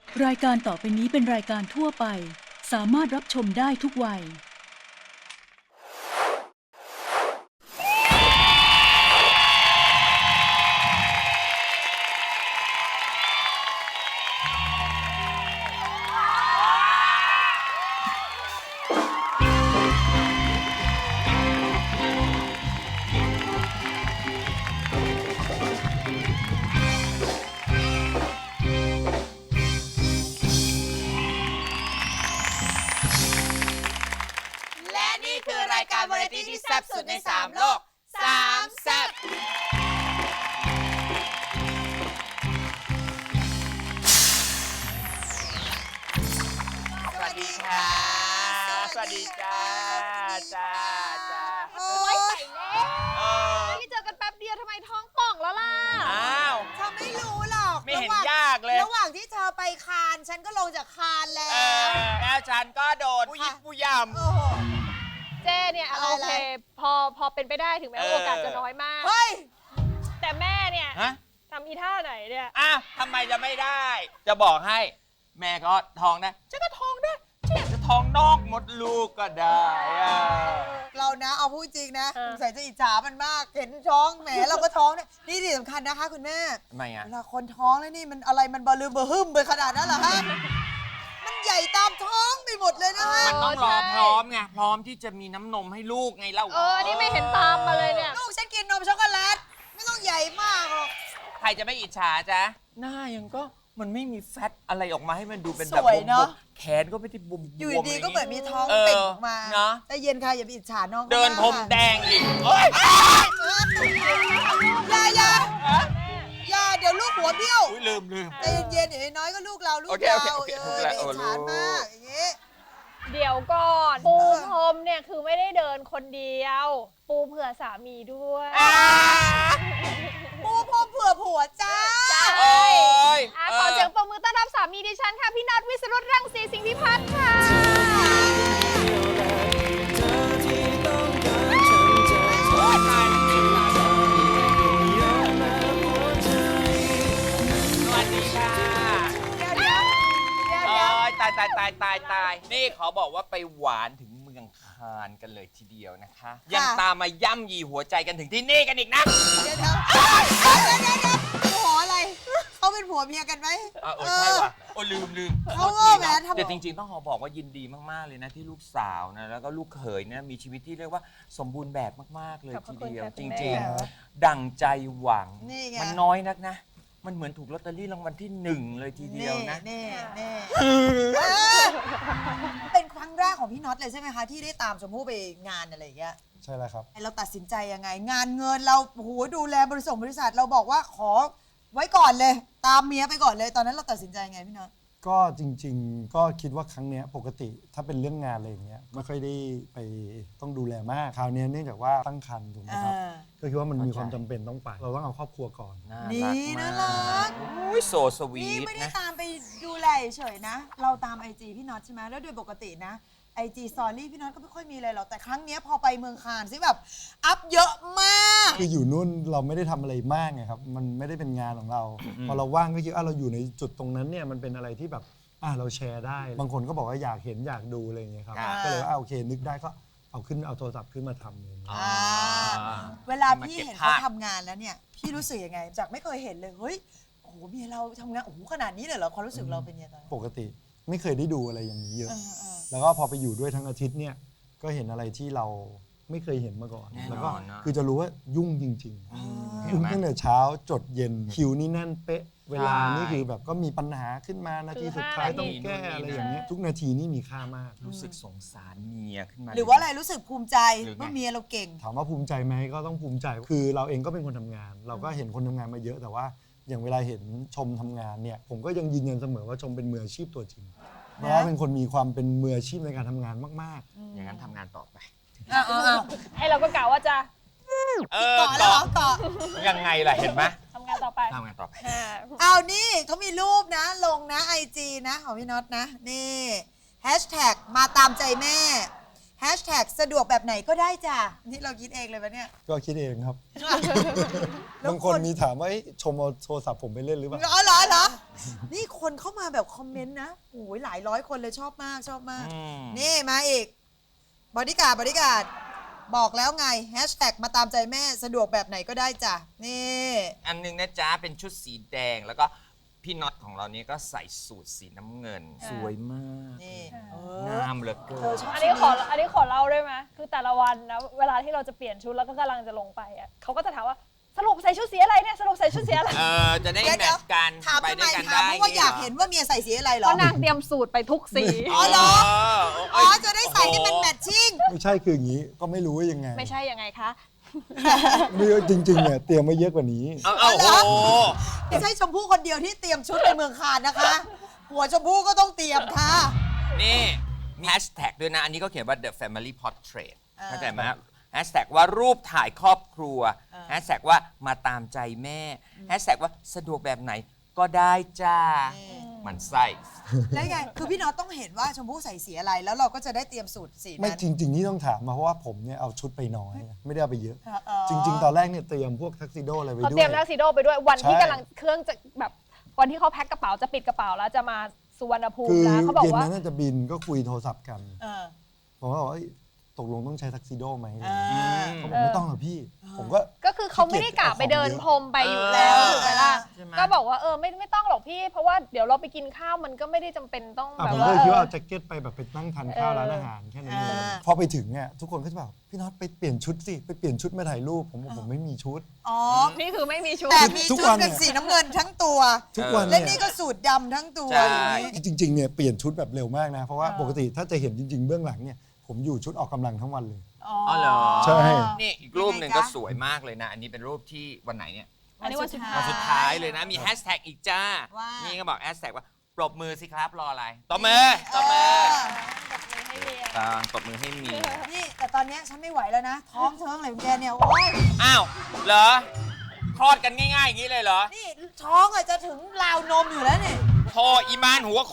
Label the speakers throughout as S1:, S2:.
S1: รายการต่อไปนี้เป็นรายการทั่วไปสามารถรับชมได้ทุกวัย
S2: และนี่คือรายการวาไรตี้ที่แซ่บสุดใน3โลก3แซ่บสวัสดีค่ะสวัสดีจ้า
S3: โอ๊ยไปแล้วนี่เจอกันแป๊บเดียวทำไมท้องป่องแล้วล่ะ
S2: อ้าว
S4: เธอไม่รู้หรอก
S2: ไม่เห็นยากเลย
S4: ระหว่างที่เธอไปคานฉันก็ลงจากคานแล้ว
S2: แล้วฉันก็โดนผู้ยิบผู้ย
S4: โอ้โห
S3: เจ้เนี่ย
S4: อะไร
S3: โอเคพอเป็นไปได้ถึงแม้ว่าโอกาสจะน้อยมาก
S4: เฮ้ย
S3: แต่แม่เนี่ย
S2: ำฮะ
S3: ทำอีท่าไหนเนี่ย
S2: อ้าวทำไมจะไม่ได้ จะบอกให้ แม่ก็ท้องได้ฉันก็ท้องได้ฉันอยากจะท้องนอกมดลูกก็ได้อะ
S4: เรานะเอาพูดจริงนะสงสัยจะอิจฉามันมากเห็นท้องแหมเราก็ท้องเนี่ยนี่ที่สำคัญนะคะคุณแม่
S2: ทำไมอ่ะ
S4: เวลาคนท้องแล้วนี่มันอะไรมันบะลืมบะฮึ่มไปขนาดนั้นเหรอฮะมันใหญ่ตามท้องไปหมดเลยนะฮะ
S2: มันต้องรอพร้อมไงพร้อมที่จะมีน้ำนมให้ลูกไงเล่า
S3: นี่ไม่เห็นตามมาเลยเนี่ย
S4: ลูกฉันกินนมช็อกโกแลตไม่ต้องใหญ่มากหรอก
S2: ใครจะไม่อิจฉาจ๊ะหน้ายังก็มันไม่มีแฟตอะไรออกมาให้มันดูเป็นแบบ
S4: สวยเนาะ
S2: แขนก็ไม่ได้บวมๆ
S4: อยู่ดีๆก็เหมือนมีท้อง
S2: เออ
S4: เป่งออกมา
S2: เนอะ
S4: แต่เย็นค่ะอย่าไปอิจฉาน้องขา
S2: เดิน
S4: มาก
S2: พรม
S4: ค่ะ
S2: แดงอีกเอ้ย
S4: อย่าเดี๋ยวลูกหัวเบี้ยว
S2: อุ๊ยลืม
S4: ใจเย็นๆอย่างน้อยก็ลูกเราลูก
S2: โอเค
S4: เรา
S2: โอเค
S4: เอ
S2: ถู
S4: อก
S2: แล้ว
S4: ไปอิจฉา
S2: โอ้
S4: มากอย่างงี้
S3: เดี๋ยวก่อนปูพรมเนี่ยคือไม่ได้เดินคนเดียว ปูเผื่อสามีด้วย
S4: ปูพรมเผื่อผัวจ้า
S2: โอ้ย
S3: ขอเสียงปรบมือต้อนรับสามีดิฉันค่ะพี่น็อตวิสรุตรังสีสิงห์พิพัฒน์ค่ะ
S2: สวัสดีค่ะ
S4: เดี๋ยว
S2: เอ้ยตายนี่ขอบอกว่าไปหวานถึงเมืองคานกันเลยทีเดียวนะคะ ยังตามมาย่ำยีหัวใจกันถึงที่นี่กันอีกนะ
S4: ผัวอะไรเขาเป็นผัวเมียกันไหม
S2: ใช่ว่ะโอ้ลืม
S4: เขาก็แหมทำ
S2: แต่จริงๆต้องขอบอกว่ายินดีมากๆเลยนะที่ลูกสาวนะแล้วก็ลูกเขยเนี่ยมีชีวิตที่เรียกว่าสมบูรณ์แบบมากๆเลยทีเดียวจริงๆดั่งใจหวัง
S4: นี่ไง
S2: มันน้อยนักนะ มันเหมือนถูกลอตเตอรี่รางวัลที่1เลยทีเดียวนะ
S4: นี่เป็นครั้งแรกของพี่น็อตเลยใช่ไหมคะที่ได้ตามชมพู่ไปงานอะไรอย่างเงี้ย
S5: ใช่แล้วครับ
S4: เราตัดสินใจยังไง งานเงินเราโอ้โหดูแลบริษัทเราบอกว่าขอไว้ก่อนเลย ตามเมียไปก่อนเลยตอนนั้นเราตัดสินใจยังไงพี่น็อต
S5: ก็จริงๆ ก็คิดว่าครั้งเนี้ยปกติถ้าเป็นเรื่องงานอะไรอย่างเงี้ยไม่ค่อยได้ไปต้องดูแลมาก คราวเนี้ยเนื่องจากว่าตั้งครรภ์ถูกไหมครับ ก็คิดว่ามันมีความจำเป็นต้องไป เราต้องเอาครอบครัวก่อน
S4: นี่น่ารัก
S2: อุ้ยโซสวี
S4: นี่
S2: ท
S4: ไม่ได้
S2: นะ
S4: ตามไปดูแลเฉยๆนะ เราตามไอจีพี่น็อตใช่ไหมแล้วโดยปกตินะไอจีสตอรี่พี่น็อตก็ไม่ค่อยมีอะไรหรอกแต่ครั้งเนี้ยพอไปเมืองคานซิแบบอัพเยอะมาก
S5: คืออยู่นู่นเราไม่ได้ทำอะไรมากไงครับ มันไม่ได้เป็นงานของเรา พอเราว่างก็คิดเราอยู่ในจุดตรงนั้นเนี่ยมันเป็นอะไรที่แบบเราแชร์ได้ บางคนก็บอกว่าอยากเห็นอยากดูอะไรอย่างเงี้ยครับ ก็เลยว่าโอเคนึกได้ก็เอาโทรศัพท์ขึ้นมาทำเลย
S4: เวลาพี่เห็นเขาทำงานแล้วเนี่ยพี่รู้สึกยังไงจากไม่เคยเห็นเลยเฮ้ยโอ้โหเมียเราทำงานโอ้โหขนาดนี้เลยเหรอความรู้สึกเราเป็นยังไงตอนนั้น
S5: ปกติไม่เคยได้ดูอะไรอย่างนี้เยอะ
S4: เออ
S5: แล้วก็พอไปอยู่ด้วยทั้งอาทิตย์เนี่ยก็เห็นอะไรที่เราไม่เคยเห็นมาก่อน
S2: แน่นอน
S5: แล้วก็
S2: นะ
S5: คือจะรู้ว่ายุ่งจริง
S2: เห็
S5: ๆ
S2: น
S5: ยุ่ง
S2: ไหม
S5: ตั้งแต่เช้าจดเย็นคิวนี่แน่นเป๊ะ เวลา
S2: ใช่
S5: นี่คือแบบก็มีปัญหาขึ้นมานาทีสุดท้ายต้องแก้อะไรอย่างเงี้ยทุกนาทีนี่มีค่ามาก
S2: รู้สึกสงสารเมียขึ้นมา
S4: หรือว่าอะไรรู้สึกภูมิใจ
S2: หรือไง
S4: ว่าเมียเราเก่ง
S5: ถามว่าภูมิใจไหมก็ต้องภูมิใจ คือเราเองก็เป็นคนทำงาน เราก็เห็นคนทำงานมาเยอะแต่ว่าอย่างเวลาเห็นชมทำงานเนี่ยผมก็ยังยืนยันเสมอว่าชมเป็นมืออาชีพตัวจริงเพราะว่าเป็นคนมีความเป็นมืออาชีพในการทำงานมากๆ
S2: อย่างนั้นทำงานต่อไป
S3: ไอเราก็กล่าวว่าจะ
S4: ต่อแล้วเหรอต่อ
S2: ยังไงล่ะเห็นไหม
S3: ทำงานต่อไป
S2: ทำงานต่อไป
S4: เอานี่เขามีรูปนะลงนะไอจีนะของพี่น็อตนะนี่แฮชแท็กมาตามใจแม่แฮชแท็กสะดวกแบบไหนก็ได้จ้ะนี่เราคิดเองเลยปะเนี่ย
S5: ก็คิดเองครับ
S4: แล้ว
S5: บางคนมีถามว่าชมเอาโทรศัพท์ผมไปเล่นหรือเปล่า
S4: เหรอนี่คนเข้ามาแบบคอมเมนต์นะโอ้ยหลายร้อยคนเลยชอบมากชอบมาก
S2: อืม
S4: นี่มาอีกบอดี้การ์ดบอกแล้วไงแฮชแท็กมาตามใจแม่สะดวกแบบไหนก็ได้จ้ะนี่
S2: อันหนึงนะจ๊ะ เป็นชุดสีแดงแล้วก็พี่น็อตของเรานี่ก็ใส่สูทสีน้ำเงิน สวยมาก
S4: นี่
S2: งามเหลือเกิ
S4: เธอน ชอบ
S3: อันนี้ขอเล่าได้ไหมคือแต่ละวันนะเวลาที่เราจะเปลี่ยนชุดแล้วก็กำลังจะลงไปอ่ะเขาก็จะถามว่าสรุปใส่ชุดสีอะไรเนี่ยสรุปใส่ชุดสีอะไร
S2: จะได้
S4: เดี๋ยว
S2: แมทช์กัน
S4: ถาม
S2: ไป
S4: ทำไม
S2: ด้วยกัน
S4: ถาม
S2: ได้
S4: เพราะว่าอยากเห็นว่าเมียใส่สีอะไรเหร
S3: เพ
S4: อ
S3: ราะนางเตรียมสูตรไปทุกสี
S4: อ๋อเหรอ
S2: อ๋
S4: อ๋อจะได้ใส่ให้มันแมทชิ่ง
S5: ไม่ใช่คืออย่างนี้ก็ไม่รู้ว่ายังไง
S3: ไม่ใช่ยังไงคะ
S5: ไม่จริงๆเนี่ยเตรียมไว้เยอะกว่านี้
S2: โอ้โห
S4: ไม่ใช่ชมพู่คนเดียวที่เตรียมชุดไปเมืองคานนะคะ หัวชมพู่ก็ต้องเตรียมค่ะ
S2: นี่มีแฮชแท็กด้วยนะ อันนี้ก็เขียนว่า the family portrait
S4: อ่า
S2: เข้าใจไหมแฮชแท็กว่ารูปถ่ายครอบครัวแฮชแท็กว่ามาตามใจแม่แฮชแท็กว่าสะดวกแบบไหนก็ได้จ้ามันไส้
S4: แล้วไง คือพี่น็อตต้องเห็นว่าชมพู่ใส่สีอะไร แล้วเราก็จะได้เตรียมสูตรสี
S5: ไม่
S4: นั้น
S5: จริง ๆ นี่ต้องถามมาเพราะว่าผมเนี่ยเอาชุดไปน้อย ไม่ได้เอาไปเยอะ
S4: อ๋อ
S5: จริง ๆ ตอนแรกเนี่ยเตรียมพวกทักซิโดอะไรไว้
S3: เขา
S5: ด้ว
S3: เตรีย
S5: ย
S3: มทักซิโดไปด้วยวันที่
S5: ใช่
S3: กำลังเครื่องจะแบบวันที่เขาแพ็คกระเป๋าจะปิดกระเป๋าแล้วจะมาสุวรรณภูมิ
S5: คือ
S3: แล้วเขาบอก
S5: เย็น
S3: ว่า
S5: นั้นน่าจะบินก็คุยโทรศัพท์กัน
S4: เออ
S5: ผมก็บอกว่าเอ้ยตกลงต้องใช้ทักซิโดไหม
S4: อ่า
S5: เขาบอกไม่ต้องหรอกพี่ ผมก็
S3: ก็คือเขาไม่ได้กะไปเดินพรมไปอยู่แล้ว
S4: เออ
S3: ถูกไหมล่ะ
S2: ใช่ไหม
S3: ก็บอกว่าไม่ต้องหรอกพี่ เพราะว่าเดี๋ยวเราไปกินข้าวมันก็ไม่ได้จำเป็นต้อง
S5: อ่ะ
S3: แบบ
S5: ผม
S3: ว่า
S5: ก็คิดว่าเอาแจ็คเก็ตไปแบบไปนั่งทานข้าวร้านอาหารแค่นั้นเอง
S4: อ่า
S5: พอไปถึงเนี่ยทุกคนก็จะแบบพี่น็อตไปเปลี่ยนชุดสิไปเปลี่ยนชุดมาถ่ายรูปผมบอกผมไม่มีชุด
S4: อ๋อ
S3: นี่คือไม่มีชุด
S4: แต่มี
S5: ทุก
S4: ชุด
S5: วัน
S4: เป็นสีน้ำเงินทั้งตัว
S5: ทุกวัน
S4: และ
S5: เนี่ย
S4: นี่ก็สูตรดำทั้งตัว
S2: ใช่
S4: อย่างนี้
S5: จริงๆเนี่ยเปลี่ยนชุดแบบเร็วมากนะ เพราะว่าปกติถ้าจะเห็นจริง ๆ เบื้องหลังเนี่ยผมอยู่ชุดออกกำลังทั้งวันเลย
S2: อ๋อเหรอ
S5: ใช่
S2: นี่อีกรูปหนึ่งก็สวยมากเลยนะ อันนี้เป็นรูปที่วันไหนเนี่ย
S3: อันนี้วันสุดท้าย
S2: วันสุดท้ายเลยนะ มีแฮชแท็กอีกจ้า
S4: ว่า
S2: นี่ก็บอกแฮชแท็กว่าปรบมือสิครับรออะไรตบมือตบมือ
S3: ให้เรียน
S2: ตบมือให้เมีย
S4: นี่แต่ตอนเนี้ยฉันไม่ไหวแล้วนะ ท้องเทิงอะไรของแกเนี่ย โอ้ย
S2: อ้าวเหรอคลอดกันง่ายๆอย่างนี้เลยเหรอ
S4: นี่ท้องอะจะถึงราวนมอยู่แล้วนี่
S2: โทอีมานหัวคน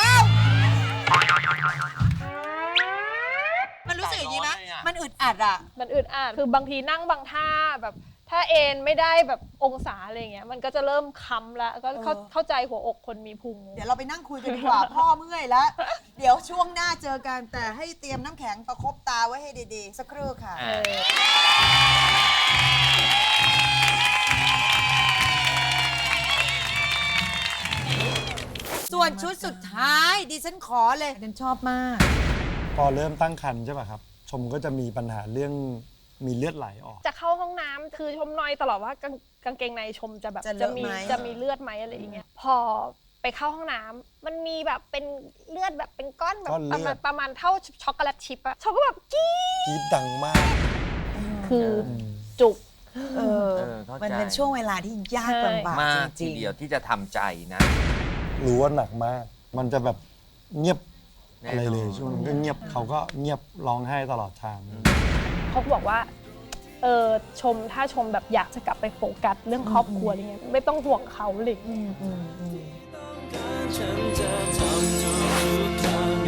S4: มันรู้สึกอย่างนี้ไหม
S2: ร้อนเลยอะ
S4: มันอึดอัดอ่ะ
S3: มันอึดอัดคือบางทีนั่งบางท่าแบบถ้าเอนไม่ได้แบบองศาอะไรเงี้ยมันก็จะเริ่มค้ำแล้วก็เข้าใจหัวอกคนมีพุง
S4: เดี๋ยวเราไปนั่งคุยกันดีกว่า พ่อเมื่อยแล้ว เดี๋ยวช่วงหน้าเจอกันแต่ให้เตรียมน้ำแข็งประคบตาไว้ให้ดีๆ สักครู่ค่ะ
S2: อ่า
S4: ส่วนชุดสุดท้ายดิฉันขอเลยฉันชอบมาก
S5: พอเริ่มตั้งครรภ์ใช่ป่ะครับ ชมก็จะมีปัญหาเรื่องมีเลือดไหลออก
S3: จะเข้าห้องน้ำคือชมนอยตลอดว่ากางเกงในชมจะแบบ
S4: จะเลอะไหม
S3: จะมีเลือดไหมอะไรอย่างเงี้ยพอไปเข้าห้องน้ำมันมีแบบเป็นเลือดแบบเป็นก้อนแบบ
S5: ก้อนเลือด
S3: ประมาณเท่าช็อกโกแลตชิพอะชมก็แบบกรี๊ด
S5: กรีดดังมาก
S3: คือจุก
S2: เข้าใจ
S4: มันเป็นช่วงเวลาที่ยากลำบาก
S2: มาก
S4: จ
S2: ที
S4: ริง
S2: เดียวที่จะทำใจนะ
S5: รู้ว่าหนักมาก มันจะแบบเงียบ
S2: แน่นอน
S5: อะไรเลยช่วงนั้นก็เงียบเขาก็เงียบร้องไห้ตลอดทาง
S3: เขาก็บอกว่าชมถ้าชมแบบอยากจะกลับไปโฟกัสเรื่องครอบครัวอะไรเงี้ยไม่ต้องห่วงเขาเลย
S6: ฉันจะทำทุกทาง